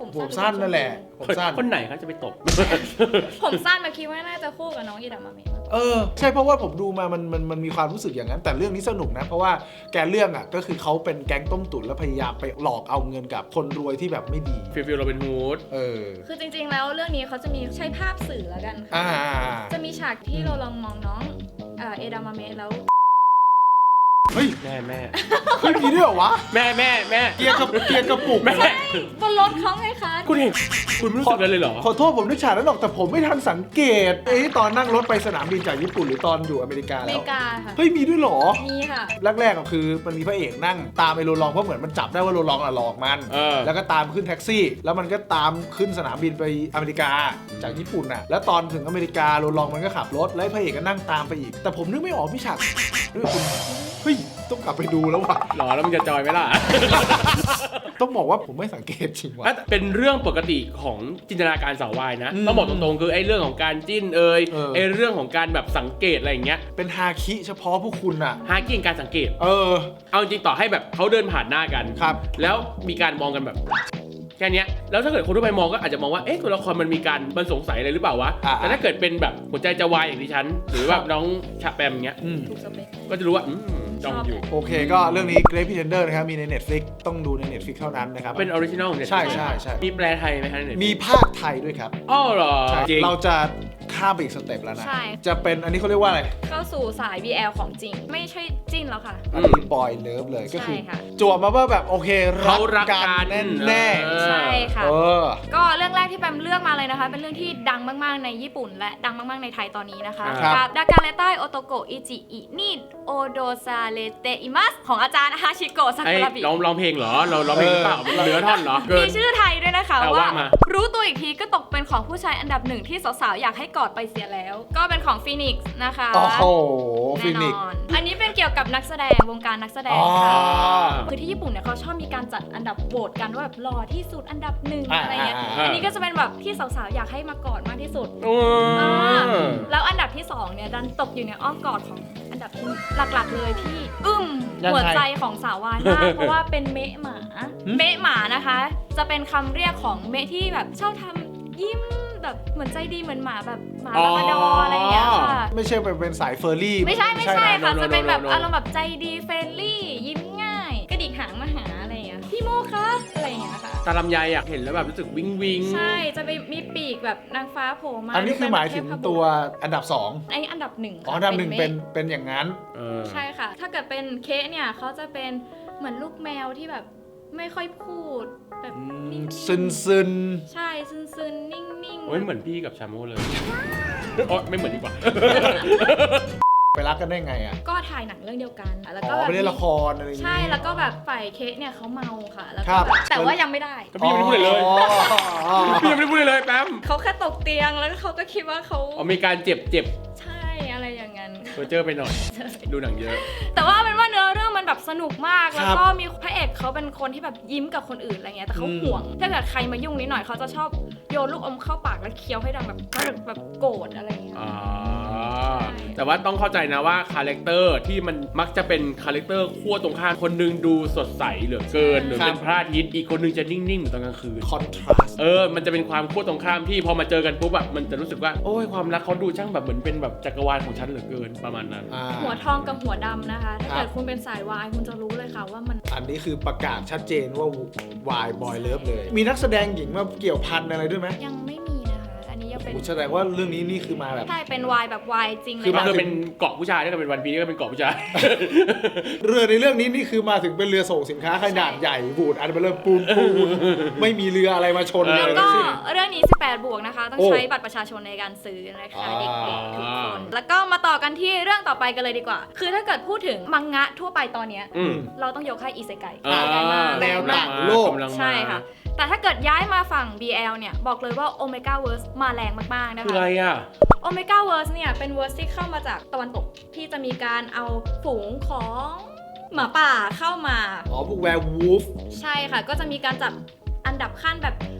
S2: ผมสั้นนั่นแหละผมสั้น
S3: คนไหนเขาจะไปตบ
S1: ผมสั้นมาคิดว่าน่าจะคู่กับน้องอิดามาเมะมากกว่า
S2: เออใช่เพราะว่าผมดูมามันมันมันมีความรู้สึกอย่างนั้นแต่เรื่องนี้สนุกนะเพราะว่าแกเรื่องอ่ะก็คือเขาเป็นแก๊งต้มตุ๋นแล้วพยายามไปหลอกเอาเงินกับคนรวยที่แบบไม่ดี
S3: ฟิลฟิลโรบินฮูด
S2: เออ
S1: คือจริงๆแล้วเรื่องนี้เขาจะมีใช้ภาพสื่อแล้วกัน
S2: อ่า
S1: ค่ะจะมีฉากที่เราลองมองน้องเอ่อเอดามาเมะแล้ว
S2: เฮ้ย
S3: แม่แม่
S2: เฮ้ยมีด้วยเหรอวะ
S3: แม่แม่แม่
S2: เกียร์กับเกียร์กระปุก
S3: แม่
S1: บนรถเขาไงคะ
S3: คุณเห็นคุณไม่รู้สึกเลยเหรอ
S2: ขอโทษผมนึกฉากนั้นหรอกแต่ผมไม่ทันสังเกตเอ้ยตอนนั่งรถไปสนามบินจากญี่ปุ่นหรือตอนอยู่อเมริกา
S1: อเม
S2: แล้ว
S1: ริกาค่ะ
S2: เฮ้ยมีด้วยเหรอ
S1: มีค่ะ
S2: แรกๆก็คือมันมีพระเอกนั่งตามไอ้โรลองเพราะเหมือนมันจับได้ว่าโรลองอะหลอกมัน
S3: เออ
S2: แล้วก็ตามขึ้นแท็กซี่ แล้วมันก็ตามขึ้นสนามบินไปอเมริกาจากญี่ปุ่นน่ะแล้วตอนถึงอเมริกาโรลองมันก็ขับรถแล้วพระเอกก็นั่งตามไปอีก แต่ผมนึกไม่ออกพี่ฉากด้วยคุณเฮ้ยต้องกลับไปดูแล้วว่ะ
S3: หรอแล้วมึงจะจอยไหมล่ะ
S2: ต้องบอกว่าผมไม่สังเกตจริงว่ะ
S3: เป็นเรื่องปกติของจินตนาการสาววายนะ
S2: อืม
S3: ต้องบอกตรงๆคือไอ้เรื่องของการจิ้นเอ่ย
S2: เออ
S3: ไอ้เรื่องของการแบบสังเกตอะไรอย่างเงี้ย
S2: เป็นฮาคิเฉพาะผู้คุณน่ะ
S3: หากินการสังเกต
S2: เออ
S3: เอาจริงต่อให้แบบเขาเดินผ่านหน้ากัน
S2: ครับ
S3: แล้วมีการมองกันแบบแค่เนี้ยแล้วถ้าเกิดคนทั่วไปมองก็อาจจะมองว่าเอ๊ะตัวละครมันมีการมันสงสัยอะไรหรือเปล่าวะ
S2: อ่า
S3: แต่ถ้าเกิดเป็นแบบหัวใจจะวายอย่างดิฉันหรือว่าน้องชาแปมเงี้ย
S2: อืม
S1: ถูกสเปค
S3: ก็จะรู้ว่าอืมจ้องอยู่
S2: โอเคก็เรื่องนี้ Great Pretender นะครับมีใน Netflix ต้องดูใน Netflix เท่านั้นนะครับ
S3: เป็นออริจินอลเนี่ย
S2: ใช่ใช่ใช่
S3: มีแปลไทยไหมฮะเนี่ย
S2: มีภาคไทยด้วยครับ
S3: อ้อเหรอ
S2: ใช่
S3: จริง
S2: เราจะข้ามไปอีกสเต็ปแล้วนะ
S1: ใช่
S2: จะเป็นอันนี้เขาเรียกว่าอะไร
S1: เข้าสู่สาย บี แอล ของจริง ไม่ใช่จิ้นแล้วค่ะ
S2: อันนี้บอยเลิฟเลยก็คือ
S1: ใช่ค่ะ
S2: จวบมาว่าแบบโอเครั
S3: เขา
S2: ก
S3: รัก
S2: กั
S3: กัน
S2: นแน่ๆ
S3: เออ
S1: ใช่ค่ะ
S2: เออ
S1: ก็เรื่องแรกที่แปมเลือกมาเลยนะคะ เป็นเรื่องที่ดังมากๆในญี่ปุ่น และดังมากๆในไทยตอนนี้นะคะ
S2: ครับ
S1: กับดากาเลต้าโอโตโกอิจิอินิโอโดซาเลเตอิมัสของอาจารย์ฮาชิโกะซา
S3: ไอ้
S1: กุระบิ
S3: ร้องร้องเพลงเหรอ เราร้องเพลงหรือเปล่าเนื้อท่อนเหรอเกิ
S1: มี
S3: น
S1: ชื่อไทยด้วยนะคะ
S3: เอา
S1: ว่า
S3: ว่ามา
S1: รู้ตัวอีกทีก็ตกเป็นของผู้ชายอันดับหนึ่งที่สาวๆ อยากให้กอดไปเสียแล้ว ก็เป็นของฟีนิกซ์นะคะ
S2: โอ้โหฟิ
S1: แน่น
S2: นิกซ์
S1: อน อันนี้เป็นเกี่ยวกับนักแสดงวงการนักแสดง
S2: อ๋อ
S1: ค่ะคือที่ญี่ปุ่นเนี่ยเขาชอบมีการจัดอันดับโหวตกันว่าแบบหล่อที่สุดอันดับหนึ่ง
S2: อ่า
S1: อะไรเงี้ย
S2: อ่า
S3: อ่า
S1: อันนี้ก็จะเป็นแบบที่สาวๆ อยากให้มากอดมากที่สุด
S3: โอ้
S1: อ่าแล้วอันดับที่สองเนี่ยดันตกอยู่ในอ้อมกอดของอันดับที่หลักๆเลยที่อึ้ม
S2: ยังไง
S1: หัวใจของสาววายมาก เพราะว่าเป็นเมะหมา เมะหมานะคะ จะเป็นคำเรียกของเมะที่แบบชอบทำยิ้มแบบเหมือนใจดีเหมือนหมาแบบหมาลาบราดอร์อะไรอย่างเงี้ยค่ะ
S2: ไม่ใช่เป็นเป็นสายเฟอร์รี่
S1: ไม่ใช่ไม่ใช่
S2: นะ
S1: ค่ะ
S3: โนโน
S1: จะเป็นแบบ
S3: โนโน
S1: อารมณ์แบบใจดีเฟรนลี่ยิ้มง่าย กระดิกหางมาหาอะไรอย่างเงี้ยพี่โมครับอะไรอย่างเงี้ยค่ะ
S3: ตาลำไยอ่ะเห็นแล้วแบบรู้สึกวิงวิง
S1: ใช่จะไปมีปีกแบบนางฟ้าโผล่มา
S2: อันนี้คือหมายถึงตัวอันดับสอง
S1: ไออันดับหนึ่ง
S2: อ๋อ
S1: ค่ะ
S2: อันดับหนึ่งเป็น
S1: มฆ
S2: เป็นอย่างนั้น
S3: เออ
S1: ใช่ค่ะ ถ้าเกิดเป็นเค้กเนี่ยเขาจะเป็นเหมือนลูกแมวที่แบบไม่ค่อยพูดแบบนิ่งๆ
S2: ซึนซึน
S1: ใช่ซึนๆนิ่งๆ
S3: โอ้ยเหมือนพี่กับชาโมเลยโอ้ไม่เหมือนดีกว่า
S2: ไปรักกันได้ไงอ่ะ
S1: ก็ถ่ายหนังเรื่องเดียวกันแล้ว
S2: อ๋
S1: ก็
S2: อ
S1: แบบ
S2: ไม่ได้ละครอะไรอย่างงี้
S1: ใช่แล้วก็แบบฝ่ายเค้กเนี่ยเขาเมาค่ะแล้ว
S2: ครั
S1: ก็
S2: บ
S1: แบบแต่ว่ายังไม่ได้
S3: ก็พี่ยังไม่ได้พูดเลยเลย
S2: อ๋อ
S3: พี่ยังไม่ได้พูดเลยเลยแป๊ม
S1: เขาแค่ตกเตียงแล้วเขาก็คิดว่าเขา
S3: อ๋อมีการเจ็บเจ็บ
S1: ใช่อะไรอย่างนั้น
S3: เฟอร์เจอร์ไปหน่อย ดูหนังเยอะ
S1: แต่ว่าเป็นว่าเนื้อเรื่องมันแบบสนุกมาก
S2: ครับ
S1: แล้วก็มีพระเอกเขาเป็นคนที่แบบยิ้มกับคนอื่นอะไรเงี้ยแต่เขา
S2: อืม
S1: ห่วง ถ้าเกิดใครมายุ่งนิดหน่อยเขาจะชอบโยนลูกอมเข้าปากแล้วเคี้ยวให้ดังแบบแบบแบบโกรธอะไรเงี้ย
S3: อ่าแต่ว่าต้องเข้าใจนะว่าคาแรคเตอร์ที่มันมักจะเป็นคาแรคเตอร์ขั้วตรงข้ามคนหนึงดูสดใสเหลือเกินหรือ
S2: ครับ
S3: เป็นพระอาทิตย์อีกคนหนึงจะนิ่งๆเหมือนตอนกลางคืน
S2: คอนทราสต์
S3: เออ มันจะเป็นความขั้วตรงข้ามที่พอมาเจอกันปุ๊บแบบมันจะรู้สึกว่าโอ้ยความรักเขาดูช่างแบบเหมือนเป็นแบบจักรวาลของฉันเหลือเกินประมาณนั้น
S2: อ่า
S1: หัวทองกับหัวดำนะคะ ถ้า
S2: ครับ
S1: เกิดคุณเป็นสายวายคุณจะรู้เลยค่ะว่ามัน
S2: อันนี้คือประกาศชัดเจนว่าวายบอยเลิฟเลย มีนักแสดงหญิงมาเกี่ยวพันอะไรด้วยไหม
S1: ยังไม่มีนะคะ อันนี้ยังเป็น
S2: โอ้แสดงว่าเรื่องนี้นี่คือมาแบบ
S1: ใช่เป็นวายแบบวายจริงเล
S3: คือย มัน
S1: นะ
S3: คือเป็นเกาะผู้ชายนี่ก็เป็นวันพีนี่ก็เป็นเกาะผู้ชาย
S2: เรือในเรื่องนี้นี่คือมาถึงเป็นเรือส่งสินค้าขนาดใหญ่บูดอันเบลเลอร์ปูนปูนไม่มีเรืออะไรมาชน
S3: เออ
S2: เล
S1: แล้ว
S2: ย
S1: ก็
S2: ทั้งสิ้น
S1: เรื่องนี้สิบแปดบวกนะคะ ต้อง
S2: โอ้
S1: ใช้บัตรประชาชนในการซื้อนะคะ
S2: อ่า
S1: เด็กๆทุกคน แล้วก็มาต่อกันที่เรื่องต่อไปกันเลยดีกว่า คือถ้าเกิดพูดถึงมังงะทั่วไปตอนเนี้ย
S3: อืม
S1: เราต้องยกให้อิเซไก
S3: อ่า
S1: ง่ายมาก
S2: แนวต่างโลก
S3: กำลังมา
S1: ใช่ค่ะ แต่ถ้าเกิดย้ายมาฝั่ง บี แอล เนี่ย บอกเลยว่า Omega Verse มาแรงมากๆนะ
S3: คือ
S1: คะ
S3: อะไรอ่ะ
S1: Omega Verse เนี่ยเป็นเวอร์สที่เข้ามาจากตะวันตกที่จะมีการเอาฝูงของหมาป่าเข้ามา
S2: อ๋อพวกแวร์วูฟ
S1: ใช่ค่ะ ก็จะมีการจับอันดับขั้นแบบ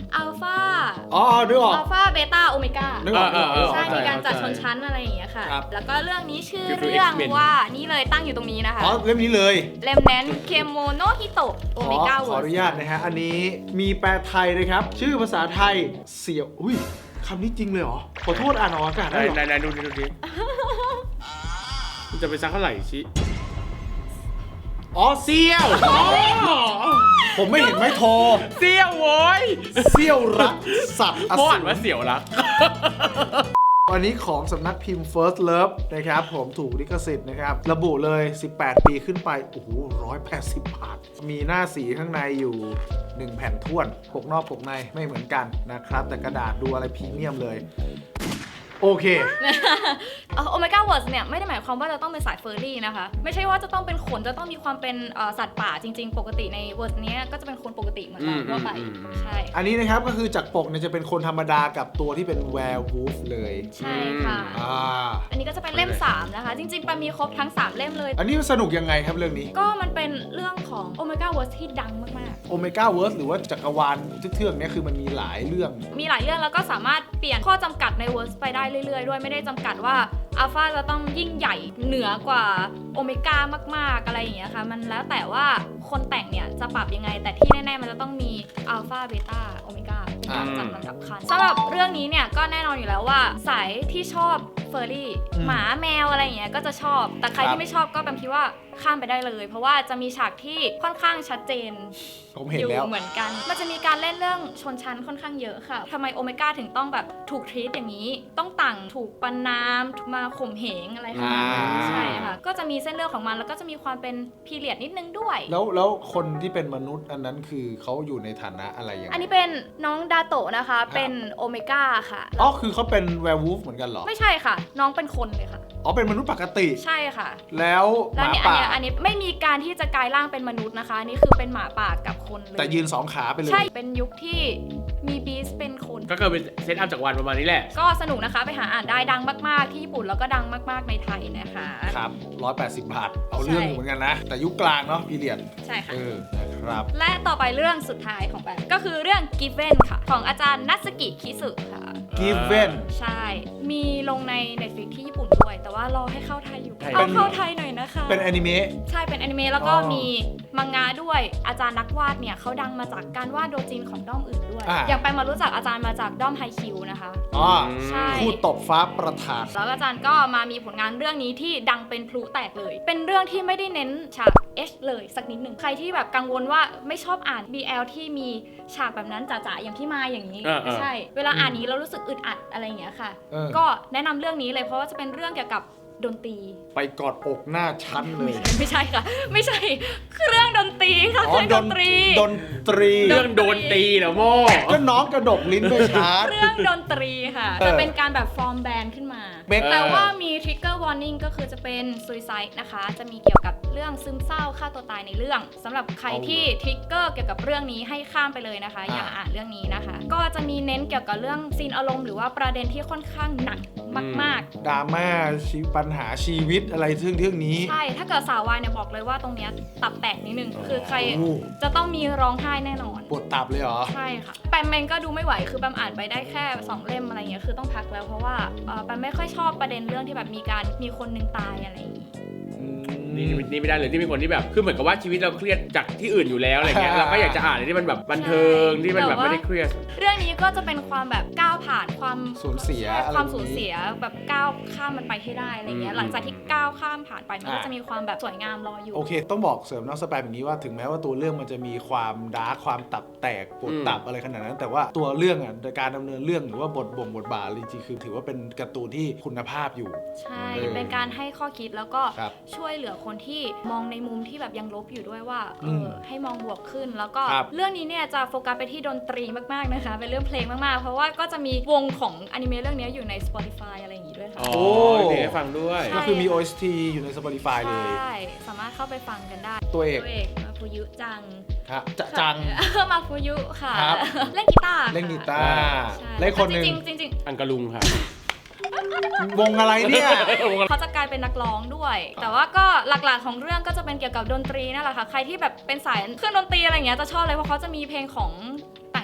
S1: อัลฟา
S2: อ๋อนึกออก
S1: อัลฟาเบต้าโอเมก้า
S2: นึกออก
S3: เออเออ
S1: ใช่
S3: เข้าใจ
S1: มีการจัดช
S3: เข้าใจ
S1: นชั้นอะไรอย่างเงี้ยค่ะ
S2: ครับ
S1: แล้วก็เรื่องนี้ชื่อ
S3: คือ
S1: เรื่อง
S3: X-Men
S1: ว่านี่เลยตั้งอยู่ตรงนี้นะคะ
S2: อ๋อเล่มนี้เลย
S1: เลมแนนเคโมโนฮิโตะโอ
S2: ข
S1: เม
S2: อ
S1: ก้า
S2: ข
S1: เวิ
S2: อ
S1: ร์
S2: อนุญาตนะฮะ อันนี้มีแปลไทยนะครับ ชื่อภาษาไทยเสี่ยว อุ้ยคำนี้จริงเลยเหรอ ขอโทษอ่านออกอากาศ
S3: ไหน
S2: ได้เหรอ
S3: ไหนไหนดูดิดูดิมันจะไปซักเท่าไหร่ชิ
S2: อ๋อเสี่ยว ผมไม่เห็นไม่โทร
S3: เสี่ยวโว้ย
S2: เสี่ยวรักสัตว์อ
S3: เพราะ
S2: สู
S3: อ่าน
S2: ร
S3: ว่าเสี่ยวรัก
S2: วันนี้ของสำนักพิมพ์ First Love นะครับผมถูกลิขสิทธิ์นะครับ ระบุเลย สิบแปด ปีขึ้นไป โอ้โหหนึ่งร้อยแปดสิบบาท มีหน้าสีข้างในอยู่ หนึ่ง แผ่นท้วน ปกนอกปกในไม่เหมือนกันนะครับ แต่กระดาษดูอะไรพรีเมียมเลย โอเค
S1: โอเมก้าเวิร์สเนี่ยไม่ได้หมายความว่าจะต้องเป็นสายเฟอร์รี่นะคะ ไม่ใช่ว่าจะต้องเป็นขนจะต้องมีความเป็นเอ่อสัตว์ป่าจริง ๆ ปกติในเวิร์สเนี้ยก็จะเป็นคนปกติเหมือนเราทั่วไป
S3: อืมอืมอืม
S1: ใช่
S2: อันนี้นะครับก็คือจากปกเนี่ยจะเป็นคนธรรมดากับตัวที่เป็นแวร์วูฟเลย
S1: ใช่ค่ะ
S2: อ่า
S1: อันนี้ก็จะเป็นเล่มสามนะคะ จริงๆปามีครบทั้งสามเล่มเลย
S2: อันนี้มันสนุกยังไงครับเรื่องนี้
S1: ก็มันเป็นเรื่องของโอเมก้าเวิร์สที่ดังมาก
S2: โอเมก้าเวิร์สหรือว่าจักรวาลเทือกๆเนี่ยคือมันมีหลายเรื่อง
S1: ๆ มีหลายเรื่องแล้วก็สามารถเปลี่ยนข้อจำกัดในเวิร์สไปได้เรื่อยๆ ด้วยไม่ได้จำกัดว่าอัลฟาจะต้องยิ่งใหญ่เหนือกว่าโอเมก้ามากๆอะไรอย่างเงี้ยค่ะมันแล้วแต่ว่าคนแต่งเนี่ยจะปรับยังไง แต่ที่แน่ๆมันจะต้องมีอัลฟาเบต้าโอเมก้าเป็นการจัดลำดับขั้นสำหรับเรื่องนี้เนี่ยก็แน่นอนอยู่แล้วว่าสายที่ชอบเฟอร์รี่
S2: อืม
S1: หมาแมวอะไรอย่างเงี้ยก็จะชอบ แต่ใคร
S2: ครับ
S1: ที่ไม่ชอบก็แปมคิดว่าข้ามไปได้เลย เพราะว่าจะมีฉากที่ค่อนข้างชัดเจน
S2: ผมเห็น
S1: อยู่
S2: แล้ว
S1: เหมือนกัน มันจะมีการเล่นเรื่องชนชั้นค่อนข้างเยอะค่ะทำไมโอเมก้าถึงต้องแบบถูกทรีตอย่างนี้ ต้องต่างถูกประนามมาข่มเหงอะไรขนาดนั้น
S2: อ่า
S1: ใช่ค่ะ ก็จะมีเส้นเรื่องของมันแล้วก็จะมีความเป็นพีเรียดนิดนึงด้วย
S2: แล้วแล้วคนที่เป็นมนุษย์อันนั้นคือเขาอยู่ในฐานะอะไรอย่าง
S1: อันนี้เป็นน้องดาโตะนะคะ เป็นโอเมก้าค่ะ
S2: อ๋อคือเขาเป็นแวร์วูฟเหมือนกันเหรอ
S1: ไม่ใช่ค่ะ น้องเป็นคนเลยค่ะ
S2: อ๋อเป็นมนุษย์ปกติ
S1: ใช่ค่ะ
S2: แล้วห
S1: แล้ว
S2: มา
S1: เนี่ยอัน
S2: ป่า
S1: เนี้ยอันนี้ไม่มีการที่จะกลายร่างเป็นมนุษย์นะคะอันนี่คือเป็นหมาป่ากับคนเลย
S2: แต่ยืนสองขาไปเลย
S1: ใช่ เป็นยุคที่มีบีสเป็นคน
S3: ก็คือเป็นเซตอัพจากวันประมาณนี้แหละ
S1: ก็สนุกนะคะไปหาอ่านได้ดังมากๆที่ญี่ปุ่นแล้วก็ดังมากๆในไทยนะคะ
S2: ครับหนึ่งร้อยแปดสิบบาท เอาเรื่องอยู่เหมือนกันนะ แต่ยุคกลางเนาะพีเรียด
S1: ใช่ค่ะ
S2: เออนะครับ
S1: และต่อไปเรื่องสุดท้ายของแปมก็คือเรื่อง Given ค่ะ ของอาจารย์นัตสึกิคิสึค่ะ
S2: Given
S1: ใช่ มีลงใน Netflix ที่ญี่ปุ่นด้วย แต่ว่ารอให้เข้าไทยอยู่
S3: เป็น
S1: เอาเข้าไทยหน่อยนะคะ
S2: เป็นแอนิเมะ
S1: ใช่ เป็นอนิเมะแล้วก็
S2: อ๋อ
S1: มีมังงะด้วยอาจารย์นักวาดเนี่ยเขาดังมาจากการวาดโดจินของด้อมอื่นด้วย
S2: อ่า
S1: อย่างแปมมารู้จักอาจารย์มาจากด้อมไฮคิวนะคะ
S2: อ๋อ
S1: ใช่
S2: คู่ตบฟ้าประธาน
S1: แล้วอาจารย์ก็มามีผลงานเรื่องนี้ที่ดังเป็นพลุแตกเลย เป็นเรื่องที่ไม่ได้เน้นฉาก H เลยสักนิดหนึ่ง ใครที่แบบกังวลว่าไม่ชอบอ่าน บี แอล ที่มีฉากแบบนั้นจ๋าๆอย่างที่มาอย่างนี้
S3: เออเออ
S1: ใช่ เวลาอ่านนี้เรารู้สึกอึดอัดอะไรอย่างเงี้ยค่ะ
S2: เออ
S1: ก็แนะนำเรื่องนี้เลยเพราะว่าจะเป็นเรื่องเกี่ยวกับดนตรี
S2: ไปกอดอกหน้าชั้นเลย
S1: ไม่ใช่ค่ะ ไม่ใช่เครื่องดนตรีค่ะเครื่องดนตรี
S2: ดนตรี
S3: เรื่องโดนตีเหรอโม่
S2: ก็น้องกระดกลิ้นไปชาร์จ
S1: เครื่องดนตรีค่ะ
S2: เออ
S1: จะเป็นการแบบฟอร์มแบนด์ขึ้นมา
S2: เบค
S1: แต่ว่ามี trigger warning ก็คือจะเป็น suicide นะคะ จะมีเกี่ยวกับเรื่องซึมเศร้าฆ่าตัวตายในเรื่องสำหรับใครที่ trigger เกี่ยวกับเรื่องนี้ให้ข้ามไปเลยนะคะ อย่าอ่านเรื่องนี้นะคะ ก็จะมีเน้นเกี่ยวกับเรื่องซีนอารมณ์หรือว่าประเด็นที่ค่อนข้างหนักมาก
S2: ดราม่าชีปัญหาชีวิตอะไรเรื่องเรื่องนี้
S1: ๆ ใช่ ถ้าเกิดสาววายเนี่ยบอกเลยว่าตรงเนี้ยตับแตกนิดนึง คือใคร
S2: โอ้
S1: จะต้องมีร้องไห้แน่นอน
S2: ปวดตับเลยเหรอ
S1: ใช่ค่ะแปมเองก็ดูไม่ไหวคือแปมอ่านไปได้แค่สองเล่มอะไรเงี้ยคือต้องพักแล้วเพราะว่าเอ่อแปมไม่ค่อยชอบประเด็นเรื่องที่แบบมีการมีคนหนึงตายอะไรอย่างงี้
S3: นี่นี่ไม่ได้เลยที่เป็นคนที่แบบคือเหมือนกับว่าชีวิตเราเครียดจากที่อื่นอยู่แล้วอะไรเงี้ยเราก็อยากจะอ่านอะไรที่มันแบบบันเทิงที่มันแบบไม่ได้เครียด
S1: เรื่องนี้ก็จะเป็นความแบบก้าวผ่านความ
S2: สูญเสีย
S1: ใช่
S2: อะไร
S1: ความสูญเสียแบบก้าวข้ามมันไปให้ได้อะไรเงี้ย
S3: อืม
S1: หลังจากที่ก้าวข้ามผ่านไปมันก็
S2: อ่ะ
S1: จะมีความแบบสวยงามรออยู่
S2: โอเค ต้องบอกเสริมน้องสแปมอย่างนี้ว่าถึงแม้ว่าตัวเรื่องมันจะมีความดาร์กความตับแตกปวดตับอะไรขนาดนั้น แต่ว่าตัวเรื่องอ่ะการดำเนินเรื่องหรือว่าบทบ่งบทบาทจริงๆคือถือว่าเป็นการ์ตูนที่คุณภาพอยู่
S1: ใช่
S2: เออ
S1: เป็นการให้ข้อคิดแล้วก็
S2: ครับ
S1: ช่วยเหลือคนที่มองในมุมที่แบบยังลบอยู่ด้วยว่าเอ
S2: อืม
S1: อให้มองบวกขึ้น แล้วก็
S2: ครับ
S1: เรื่องนี้เนี่ยจะโฟกัสไปที่ดนตรีมากๆนะคะ เป็นเรื่องเพลงมากๆ เพราะว่าก็จะมีวงของอนิเมะเรื่องนี้อยู่ใน Spotify อะไรอย่างงี้ด้วยค่ะ
S3: อ๋อ
S2: โอ้
S3: เพลงให้ฟังด้วย
S1: ใช่
S2: ก็คือมี โอ เอส ที อยู่ใน Spotify เลย
S1: ใช่ สามารถเข้าไปฟังกันได้
S2: ตัวเอก
S1: ตัวเอกมาฟูยุจัง
S2: ครับจะจัง
S1: ค่ะมาฟูยุค่ะ
S2: ครับ
S1: เล่นกีตาร์ค่ะ
S2: เล่นกีตาร์
S1: ใช่
S2: และอีกคนหนึ่ง
S1: จริงๆจริงๆ
S3: อังกะลุงค่ะ
S2: วงอะไรเนี่ย
S1: เขาจะกลายเป็นนักร้องด้วย แต่ว่าก็หลักๆของเรื่องก็จะเป็นเกี่ยวกับดนตรีนั่นแหละค่ะ ใครที่แบบเป็นสายเครื่องดนตรีอะไรอย่างเงี้ยจะชอบเลยเพราะเขาจะมีเพลงของต่าง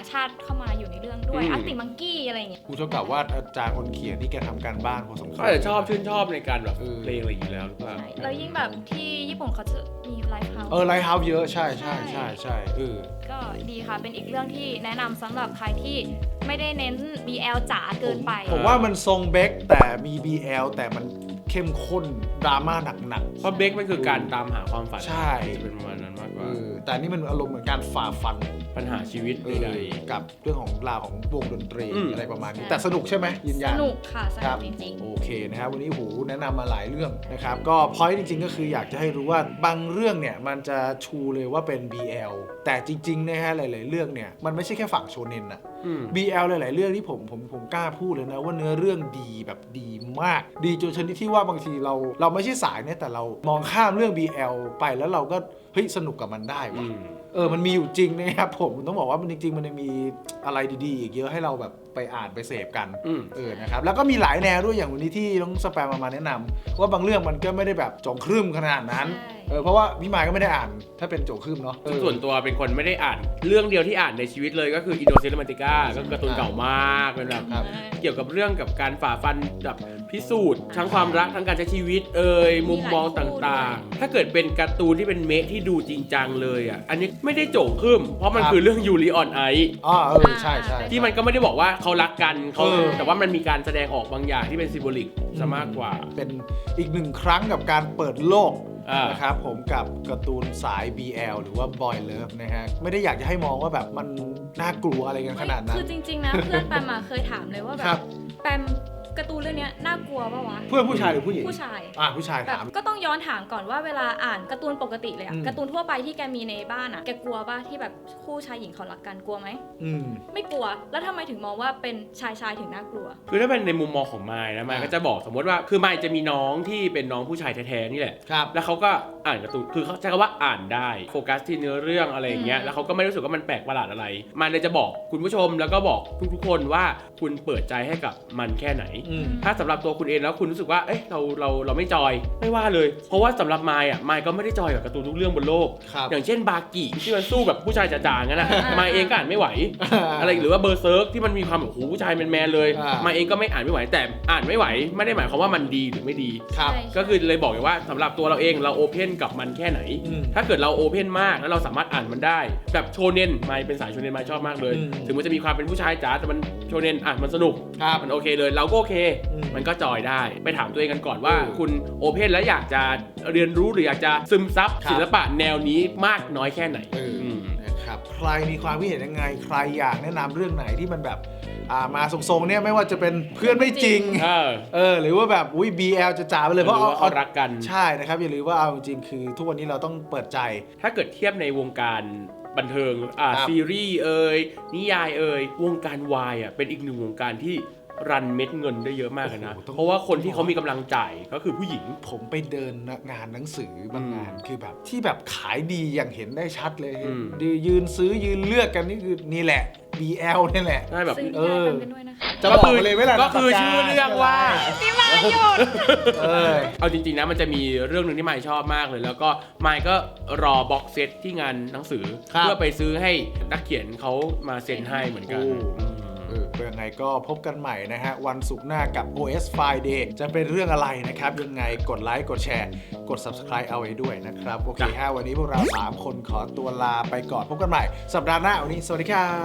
S1: ชาติเข้ามาอยู่ในเรื่องด้วย
S3: อืม
S1: อันติมังกี้อะไรอย่างเงี้ย
S2: กูเท่ากับว่าอาจารย์คนเขียนนี่แกทำการบ้านพอสมควร
S3: เขาอาจจะชอบชื่นชอบในการแบบ
S2: เออ
S3: เพลงอะไรอย่างนี้แล้วหรือเปล่า
S1: ใช่แล้วยิ่งแบบที่ญี่ปุ่นเขาจะมีไลฟ์เฮาส์
S2: เออไลท์เฮาส์เยอะใช่ใช่ใช่ใช่เออ
S1: ก็ดีค่ะเป็นอีกเรื่องที่แนะนำสำหรับใครที่ไม่ได้เน้น บี แอล จ๋าเกินไป
S2: ผมว่ามันทรงเบคแต่มี บี แอล แต่มันเข้มข้นดราม่าหนัก
S3: เพราะเบคมันคือการตามหาความฝัน
S2: ใช่
S3: เป็นประมาณนั้นมาก
S2: ๆ
S3: ก
S2: เอ
S3: ว่า
S2: อแต่อันนี่มันอารมณ์เหมือนการฝ่าฟัน
S3: ปัญหาชีวิต
S2: เอ
S3: ใด
S2: อกับเรื่องของราวของวงดนตรี
S3: อืม
S2: อะไรประมาณนี้
S1: ใช่
S2: แต่สนุกใช่ไหมยืน
S1: ส
S2: ยัน
S1: นุกค่ะส
S2: ค
S1: นุ
S2: รั
S1: ก
S2: บ
S1: จริง
S2: โอเคนะครับวันนี้หูแนะนำมาหลายเรื่องนะครับก็พอยต์จริงๆก็คืออยากจะให้รู้ว่าบางเรื่องเนี่ยมันจะชูเลยว่าเป็น บี แอล แต่จริงๆนะฮะหลายๆเรื่องเนี่ยมันไม่ใช่แค่ฝั่งโชเน็นอะ
S3: ๆอืม
S2: บี แอล หลาย ๆ เรื่องที่ผมผมผมกล้าพูดเลยนะว่าเนื้อเรื่องดีแบบดีมาก ดีจนชนิดที่ว่าบางทีเราเราไม่ใช่สายเนี่ยแต่เรามองข้ามเรื่อง บี แอล ไปแล้วเราก็เฮ้ยสนุกกับมันได้
S3: อื
S2: ว่ะ
S3: ม
S2: เออมันมีอยู่จริงนะครับผมต้องบอกว่ามันจริง ๆ มันยังมีอะไรดี ๆ อีกเยอะให้เราแบบไปอ่านไปเสพกัน
S3: อืม
S2: เออนะครับแล้วก็มีหลายแนวด้วยอย่างวันนี้ที่น้องสแปมมามาแนะนำว่าบางเรื่องมันก็ไม่ได้แบบโจงครึ่มขนาดนั้น
S1: ใช่
S2: เออเพราะว่าพี่มายก็ไม่ได้อ่านถ้าเป็นโจงครึ่มเนาะเออ
S3: ส่วนตัวเป็นคนไม่ได้อ่าน เรื่องเดียวที่อ่านในชีวิตเลยก็คืออินโดเซนต์มาติก้าก็คือการ์ตูนเก่ามากเป็นแบบ
S2: ครับ
S3: เกี่ยวกับเรื่องกับการฝ่าฟันแบบพิสูจน์ทั้งความรักทั้งการใช้ชีวิตเอ่ยมุมมองต่างๆ ถ้าเกิดเป็นการ์ตูนที่เป็นเมะที่ดูจริงจังเลยอ่ะอันนี้ไม่ได้โจ่งขึ้นเพราะมัน
S2: ครับ
S3: คือเรื่องยูริออนไอ
S2: อ๋อเออใช่ใช่
S3: ที่มันก็ไม่ได้บอกว่าเขารักกันเขา
S2: เออ
S3: แต่ว่ามันมีการแสดงออกบางอย่างที่เป็นซิมโบลิกซะมากกว่า
S2: เป็นอีกหนึ่งครั้งกับการเปิดโลก
S3: อ่าน
S2: นะครับผมกับการ์ตูนสาย บี แอล หรือว่า Boy Love นะฮะไม่ได้อยากจะให้มองว่าแบบมันน่ากลัวอะไรกันขนาดนั้น
S1: คือจริง ๆ นะ เพื่อนแปมอะเคยถามเลยว่าแบ
S2: ครับ บ
S1: แปมการ์ตูนเรื่องเนี้ยน่ากลัวปะวะ
S2: เพื่อนผู้ชายหรือผู้หญิง
S1: ผู้ชาย
S2: อ่ะผู้ชาย
S1: แบบ
S2: ถาม
S1: ก็ต้องย้อนถามก่อนว่าเวลาอ่านการ์ตูนปกติเลยอะ
S2: อืม
S1: การ์ตูนทั่วไปที่แกมีในบ้านอะแกกลัวป่ะที่แบบคู่ชายหญิงเขารักกันกลัวไหม
S2: อืม
S1: ไม่กลัวแล้วทำไมถึงมองว่าเป็นชายชายถึงน่ากลัว
S3: คือถ้าเป็นในมุมมองของมายนะมาย
S2: อ่า
S3: ก็จะบอกสมมติว่าคือมายจะมีน้องที่เป็นน้องผู้ชายแท้ๆนี่แหละ
S2: ครับ
S3: แล้วเขาก็อ่านการ์ตูนคือเขาใช้คำว่าอ่านได้โฟกัสที่เนื้อเรื่องอะไรอย่างเงี้ย
S1: อืม
S3: แล้วเขาก็ไม่รู้สึกว่ามันแปลกประหลาดอะไรมันเลยจะบอกคุณผู้ชมแล้วก็บอกทุกๆคนว่าคุณเปิดใจให้กับมันแค่ไหน
S2: อืม
S3: ถ้าสำหรับตัวคุณเองแล้วคุณรู้สึกว่าเอ้ยเราเราเราไม่จอยไม่ว่าเลย เพราะว่าสำหรับมายอ่ะมายก็ไม่ได้จอยกับการ์ตูนทุกเรื่องบนโลก
S2: ครับ
S3: อย่างเช่นบากิที่มันสู้แบบผู้ชายจ๋าๆงั้นนะ
S1: อ่าม
S3: ายเองก็อ่านไม่ไหว อะไรหรือว่าเบอร์เซิร์กที่มันมีความแบบโอ้โหผู้ชายแมนๆเลย
S2: อ่าม
S3: มาเองก็ไม่อ่านไม่ไหวแต่อ่านไม่ไหว ไม่ได้หมายความว่ามันดีหรือไม่ดี
S2: ครับ
S1: ใช่
S3: ก็คือเลยบอกอย่างว่าสำหรับตัวเราเองเราโอเพนกับมันแค่ไหน
S2: อืม
S3: ถ้าเกิดเราโอเพนมากแล้วเราสามารถอ่านมันได้แบบโชเน็นมายเป็นสายโชเน็นมายชอบมากเลย
S2: อืม
S3: ถึงมันจะมีความเป็นผู้ชายจ๋าแต่มันโชเน็นอ่ะมันสนุก
S2: ครับ
S3: มันโอเคเลยเราก็โอเค
S2: อืม
S3: มันก็จอยได้ไปถามตัวเองกันก่อนว่า
S2: เออ
S3: คุณโอเพนแล้วอยากจะเรียนรู้หรืออยากจะซึมซับ
S2: ครับ
S3: ศิลปะแนวนี้มากน้อยแค่ไหน
S2: เอออ
S3: ม
S2: นะครับใครมีความคิดเห็นยังไง ใครอยากแนะนำเรื่องไหนที่มันแบบอ่ามาทรงๆเนี่ยไม่ว่าจะเป็นเพื่อนไม่จริง
S3: เออ
S2: เออหรือว่าแบบอุ้ย บี แอล จะจ๋าไปเลยเพราะ
S3: หรือว่า
S2: เอา
S3: เขารักกัน
S2: ใช่นะครับอย่าลืมว่าเอาจริงๆคือทุกวันนี้เราต้องเปิดใจ
S3: ถ้าเกิดเทียบในวงการบันเทิงอ่า
S2: ครับ
S3: ซีรีส์เอ่ยนิยายเอ่ยวงการวายอ่ะเป็นอีกหนึ่งวงการที่รันเม็ดเงินได้เยอะมากเลยนะ
S2: โอ้โหต้อง
S3: เพราะว่าคนที่เขามีกำลังจ่ายก็คือผู้หญิง
S2: ผมไปเดินงานหนังสือบาง
S3: อืม
S2: งานคือแบบที่แบบขายดีอย่างเห็นได้ชัดเลย
S3: อืม
S2: ยืนซื้อยืนเลือกกันนี่คือนี่แหละ บี แอล นี่แหละ
S3: ได้แบบ
S1: ซื้อ
S2: เอ
S1: นิยาย
S2: อ
S1: กันกันด้วยนะคะ
S2: จะบอกเลยไหมล่ะ
S3: ก็คือ
S2: ปากกา
S3: ชื่อเรื่องว่า
S1: พี่มาหยุด
S2: เออ
S3: เอาจริงๆนะมันจะมีเรื่องหนึ่งที่ไมค์ชอบมากเลย แล้วก็ไมค์ก็รอบ็อกเซตที่งานหนังสือ
S2: ครับ
S3: เพื่อไปซื้อให้นักเขียนเขามาเซ็นให้เหมือนกัน
S2: โอ้
S3: อืม
S2: เออเป็นยังไงก็พบกันใหม่นะฮะ วันศุกร์หน้ากับ โอ เอส Friday จะเป็นเรื่องอะไรนะครับ ยังไงกดไลค์กดแชร์ กด Subscribe เอาไว้ด้วยนะครับ โอเคฮะวันนี้พวกเรา สาม คนขอตัวลาไปก่อนพบกันใหม่ สัปดาห์หน้าวันนี้สวัสดีครับ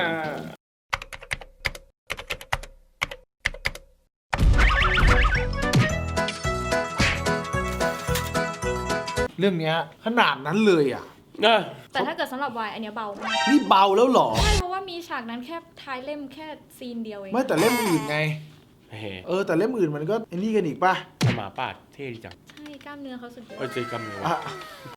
S2: เรื่องเนี้ยขนาดนั้นเลยอ่ะ
S3: เออ
S1: แต่ถ้าเกิดสำหรับวายอันเนี้ยเบามาก
S2: นี่เบาแล้วเหรอ
S1: ใช่เพราะว่ามีฉากนั้นแค่ท้ายเล่มแค่ซีนเดียวเอง
S2: ไม่แต่เล่มอื่นไง
S3: เฮ้
S2: เออแต่เล่มอื่นมันก็ไอ้นี่กันอีกป่ะ
S3: หมาปาดเท่ดีจัง
S1: ใช่กล้ามเนื้อเขาสุดยอ
S3: เอ้ย
S1: ด
S3: ใจกำเนิด
S2: อ่ะ